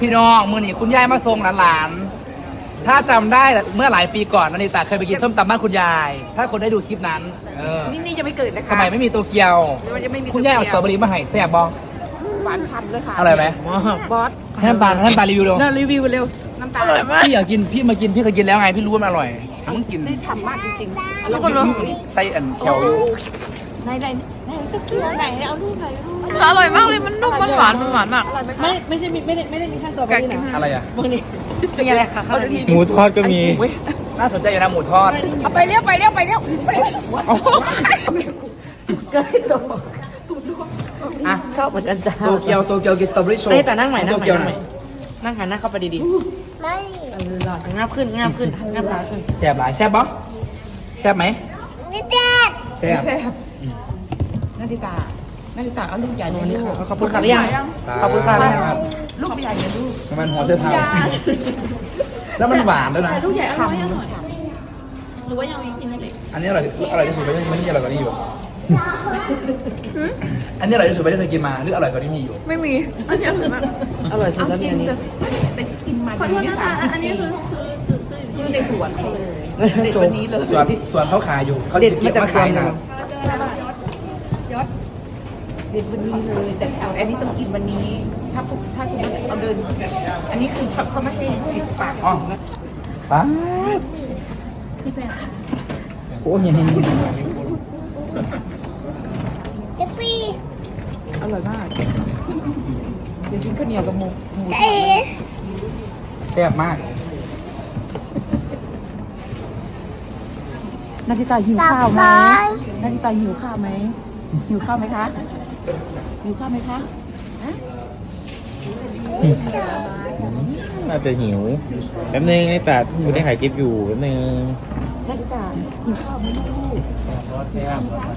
พี่น้องมือนี่คุณยายมาส่งหลานๆถ้าจำได้เมื่อหลายปีก่อนนันนิตาเคยไปกินส้มตำบ้านคุณยาย ถ้าคนได้ดูคลิปนั้นนี่จะไม่เกิดนะคะสมัยไม่มีโตเกียวคุณยายเอาสตรอเบอรี่มาให้แซ่บบ้องหวานฉ่ำเลยค่ะอร่อยไหมบอสให้น้ำตาลรีวิวดูรีวิวเร็วน้ำตาลพี่อยากกินพี่มากินพี่เคยกินแล้วไงพี่รู้ว่ามันอร่อยมึงกินนี่ฉ่ำมากจริงๆแล้วก็ไส้อันเขียวอยู่ไหนตะเกียบไหนเอาลูกไหนอร่อยมากเลยมันนุ่มมันหวานมากไม่ใช่ไม่ได้มีขั้นตอนแบบนี้นะอะไรอ่ะพวกนี้มีอะไรคะหมูทอดก็มีน่าสนใจอยู่นะหมูทอดเอาไปเร็วเกิดตัวอ่ะชอบเหมือนกันจ้าโตเกียวกินสตรอเบอรี่โชว์แต่นั่งใหม่นั่งใหม่นั่งหันหน้าเข้าไปดีๆไม่หลอดงาบขึ้นงาบขาขึ้นแซ่บหลายแซ่บบ้องแซ่บไหมไม่เจ็บแซ่บนาฬิตาเอาลูกใหญ่เลยขอบคุณค่ะหรือยังขอบคุณค่ะลูกใหญ่เลยลูกมันหัวเส้นเท้าแล้วมันหวานด้วยนะลูกใหญ่ฉ่ำหรือว่ายังไม่กินเลยอันนี้อร่อยที่สุดไม่ใช่อร่อยกว่านี้อยู่อันนี้อร่อยที่สุดไม่ได้เคยกินมาหรืออร่อยกว่านี้มีอยู่ไม่มีอันนี้คือแบบอร่อยสุดแล้วเนี่ยนี่แต่กินมาดีที่สุดอันนี้คือซื้อในสวนเขาเลยเด็ดวันนี้เลยสวนเขาขายอยู่เขาจะเก็บมาขายนะเด็ดวันนี้เลยแต่อันนี้ต้องกินวันนี้ถ้าสมมติเอาเดินอันนี้คือเขาไม่ให้ปิดปากอ๋อป้าโอ้ยยังเจ็บปีอร่อยมากเดี๋ยวกินข้าวเหนียวกับหมูแซ่บมากนาฬิตาหิวข้าวไหมนาฬิตาหิวข้าวไหมหิวข้าวไหมคะหิวข้าวไหมคะน่าจะหิวแป๊บนึงไอ้ตัดกูได้ถ่ายคลิปอยู่แป๊บนึงนาฬิตาหิวข้าวไหมลูกแซ่บ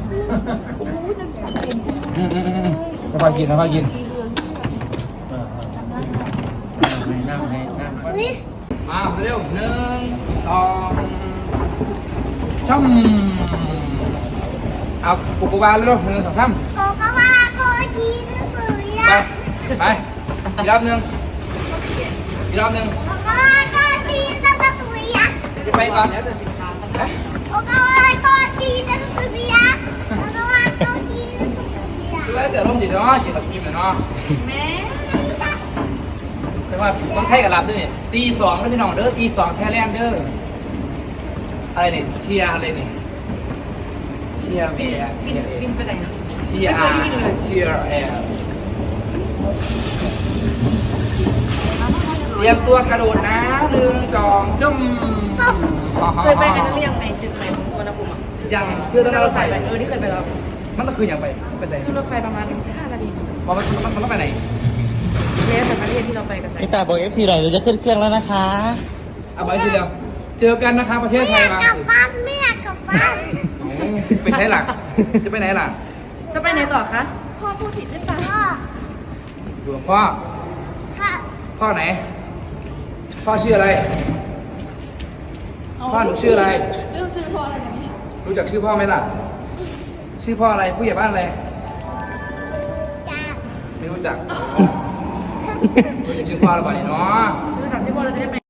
ค่อยกินค่อยกินมาเร็ว1 2ช่ำเอาปุกวาเร็ว1 2 3 โกกวาโกจีนสุริยะไปอีกรอบนึงโกกวาโกจีนสุริยะจะไปก่อนโกกวาโกจีนสุริยะโกกวาโกจีนสุริยะแล้วเกิดร่มจีเนาะจีกับพิมพ์เนาะแม่แต่ว่าต้องใช้กับรับด้วยตี2ก็พี่น้องเด้อตี2แท้แลนเด้ออะไรเนี่ยเชียร์อะไรเนี่ยเชียร์แอร์บินไปไหนเชียร์แอร์เตรียมตัวกระโดดนะ1 2จุ่มเคยไปกันหรือยังไงตึกไหนสุวรรณภูมิยังเพื่อต้องรถไฟที่เคยไปแล้วมันต้องคืนยังไปไหนขึ้นรถไฟประมาณ5 นาทีมันต้องไปไหนแล้วแต่ประเทศที่เราไปกันไอ้ตัดบอก FC หน่อยเราจะขึ้นเครื่องแล้วนะคะเอาไปสิเดียวเจอกันนะคะประเทศไทยมากลับบ้านไม่อยากกลับบ้านไปใช้หลักจะไปไหนล่ะจะไปไหนต่อคะพ่อพูดผิดหรือเปล่าดูพ่อไหนพ่อชื่ออะไรพ่อหนูชื่ออะไรชื่อพ่ออะไรแบบนี้รู้จักชื่อพ่อไหมล่ะชื่อพ่ออะไรผู้ใหญ่บ้านอะไรไม่รู้จักรู้จักชื่อพ่อหรือเปล่าเนาะรู้จักชื่อพ่อเราจะได้ไป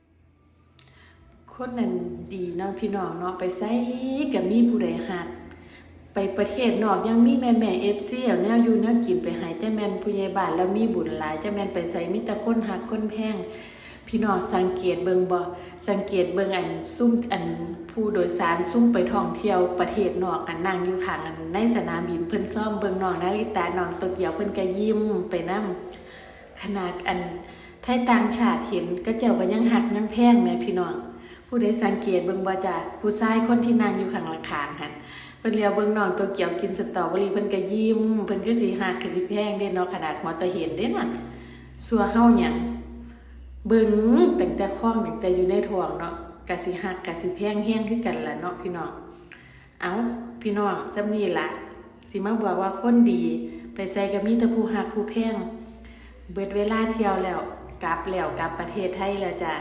คนนั้นดีเนาะพี่น้องเนาะไปไสกับมีผู้ใดฮักไปประเทศนอกยังมีแม่FCแล้วแนวอยู่แนวกินไปหายจ้าแม่นผู้ใหญ่บ้านแล้วมีบุญหลายจ้าแม่นไปไสมีแต่คนฮักคนแพงพี่น้องสังเกตเบิ่งบ่สังเกตเบิ่งอันซุ่มอันผู้โดยสารซุ่มไปท่องเที่ยวประเทศนอกอันนั่งอยู่ข้างอันในสนามบินเพิ่นซ่อมเบิ่งน้องนาริตาน้องโตเกียวเพิ่นก็ยิ้มไปนำขนาดอันไทยต่างชาติเห็นก็เจ้าก็ยังฮักยังแพงแม่พี่น้องผู้ใดสังเกตเบิ่งบ่จ้ะผู้ชายคนที่นั่งอยู่ข้างหลังคางหั่นเพิ่นเลียวเบิ่งน้องโตเกียวกินสตรอเบอรี่เพิ่นก็ยิ้มเพิ่นก็สิฮักก็สิแพงเด้เนาะขนาดหัวตะเห็นเด้นั่นสัวเฮาหยังเบิ่งตั้งแต่คล้องตั้งแต่อยู่ในท้องเนาะก็สิฮักก็สิแพงแฮงคือกันล่ะเนาะพี่น้องเอ้าพี่น้องซำนี้ล่ะสิมาบอกว่าคนดีไปใส่ก็มีแต่ผู้ฮักผู้แพงเบิดเวลาเที่ยวแล้วกลับประเทศไทยแล้วจ้ะ